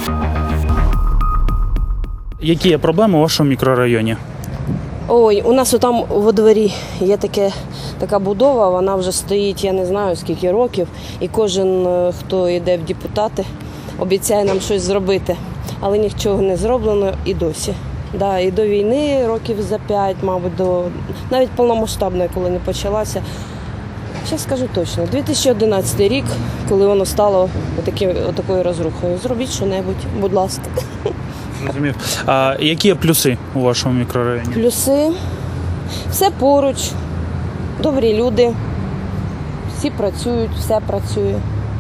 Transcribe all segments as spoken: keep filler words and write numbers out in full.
Які є проблеми у вашому мікрорайоні? Ой, у нас там во дворі є таке, така будова, вона вже стоїть, я не знаю скільки років, і кожен, хто йде в депутати, обіцяє нам щось зробити, але нічого не зроблено і досі. Да, і до війни років за п'ять, мабуть, до навіть повномасштабної, коли не почалася. Зараз скажу точно, дві тисячі одинадцятий рік, коли воно стало отакі, отакою розрухою. Зробіть що-небудь, будь ласка. Зрозумів. А які є плюси у вашому мікрорайоні? Плюси. Все поруч, добрі люди, всі працюють, все працює.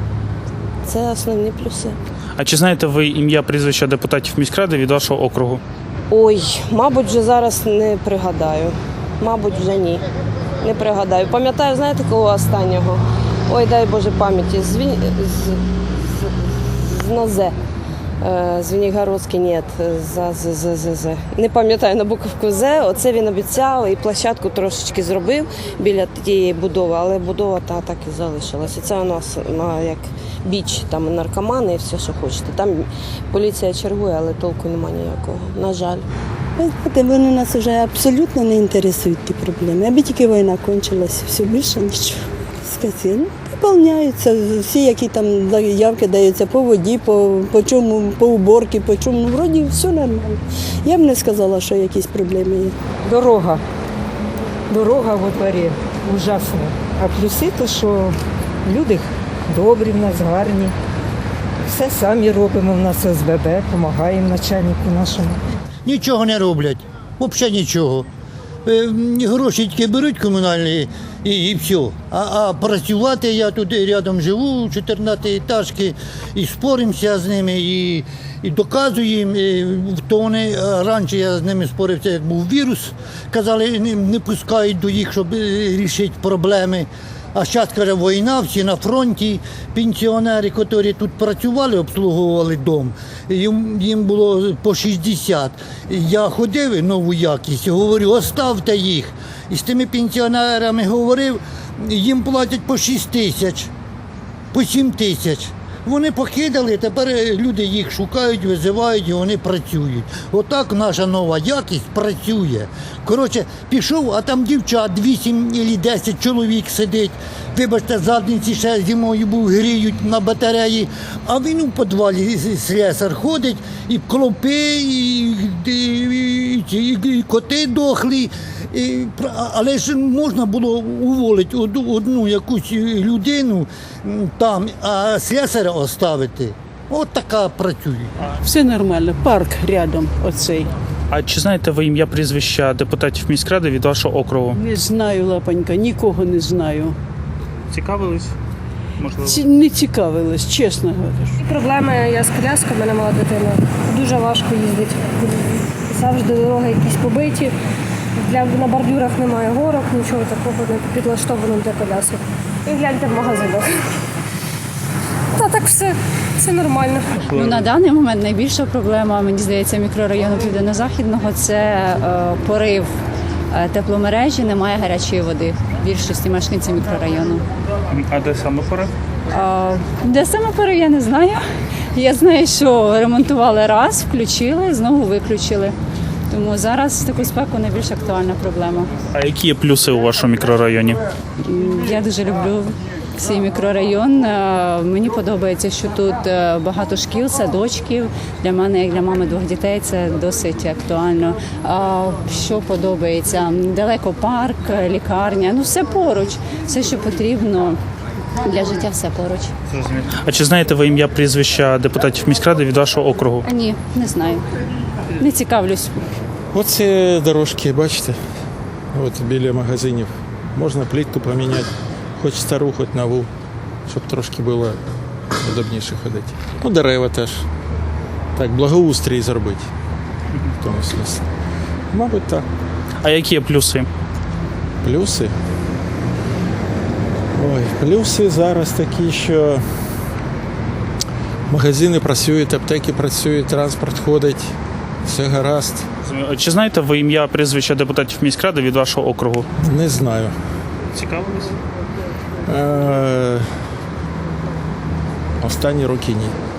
Це основні плюси. А чи знаєте ви ім'я, прізвища депутатів міськради від вашого округу? Ой, мабуть, вже зараз не пригадаю. Мабуть, вже ні. Не пригадаю. Пам'ятаю, знаєте, кого останнього? Ой, дай Боже пам'яті. З, Він... з... з... з Назе. Звенигородський, ні, за, за, за, за, за. Не пам'ятаю на буковку З. Оце він обіцяв і площадку трошечки зробив біля тієї будови, але будова та так і залишилася. Це у нас на, як біч, там наркомани і все, що хочете. Там поліція чергує, але толку немає ніякого, на жаль. Вони нас вже абсолютно не інтересують ті проблеми. Аби тільки війна кончилася, все більше нічого. Сказали, виконуються всі, які там заявки даються по воді, по, по чому, по уборці, по чому. Ну, вроді все нормально. Я б не сказала, що якісь проблеми є. Дорога. Дорога во дворі ужасна. А плюси то, що люди добрі в нас, гарні. Все самі робимо, в нас ес бе бе, допомагаємо начальнику нашому. Нічого не роблять, взагалі нічого. Е, Гроші тільки беруть комунальні і, і все. А, а працювати, я тут рядом живу, чотирнадцятиэтажки, і споримося з ними, і, і доказуємо. І, то вони, раніше я з ними спорився, як був вірус, казали, не, не пускають до їх, щоб вирішити проблеми. А зараз, каже, війна, всі на фронті, пенсіонери, які тут працювали, обслуговували дом, їм, їм було по шістдесят. Я ходив нову якість, говорю, оставте їх. І з тими пенсіонерами говорив, їм платять по шість тисяч, по сім тисяч. Вони покидали, тепер люди їх шукають, визивають і вони працюють. Отак наша нова якість працює. Коротше, пішов, а там дівчат, вісім або десять чоловік сидить. Вибачте, задниці ще зимою був, гріють на батареї. А він у підвалі слесар ходить, і клопи, і, і, і, і, і коти дохлі. І, але ж можна було уволити одну, одну якусь людину там, а слесаря оставити. От така працює. Все нормально, парк рядом оцей. А чи знаєте ви ім'я, прізвища депутатів міськради від вашого округу? Не знаю, лапонька, нікого не знаю. Цікавились? Можливо. Ці- Не цікавилась, чесно говорю. Проблеми, я з коляскою, в мене мала дитина. Дуже важко їздити. Завжди дороги якісь побиті. Для, на бордюрах немає горок, нічого такого не підлаштовано для колясок. І гляньте в магазинах. Та так все, все нормально. Ну, на даний момент найбільша проблема, мені здається, мікрорайону Південно-Західного – це е, порив е, тепломережі, немає гарячої води в більшості мешканців мікрорайону. А де саме порив? А, де саме порив, я не знаю. Я знаю, що ремонтували раз, включили, знову виключили. Тому зараз в таку спеку найбільш актуальна проблема. А які є плюси у вашому мікрорайоні? Я дуже люблю свій мікрорайон. Е, Мені подобається, що тут е, багато шкіл, садочків. Для мене, як для мами двох дітей, це досить актуально. А що подобається? Далеко парк, лікарня, ну все поруч. Все, що потрібно для життя, все поруч. Зрозуміло. А чи знаєте ви ім'я, прізвища депутатів міськради від вашого округу? А ні, не знаю. Не цікавлюсь. Оце дорожки, бачите, от біля магазинів. Можна плитку поміняти, хоч стару, хоч нову, щоб трошки було удобніше ходити. Ну, дерева теж. Так, благоустрій зробити. В тому смислі. Мабуть, так. А які є плюси? Плюси? Ой, плюси зараз такі, що магазини працюють, аптеки працюють, транспорт ходить, все гаразд. Чи знаєте ви ім'я, прізвища депутатів міськради від вашого округу? Не знаю. Цікавились? Е, Останні роки ні.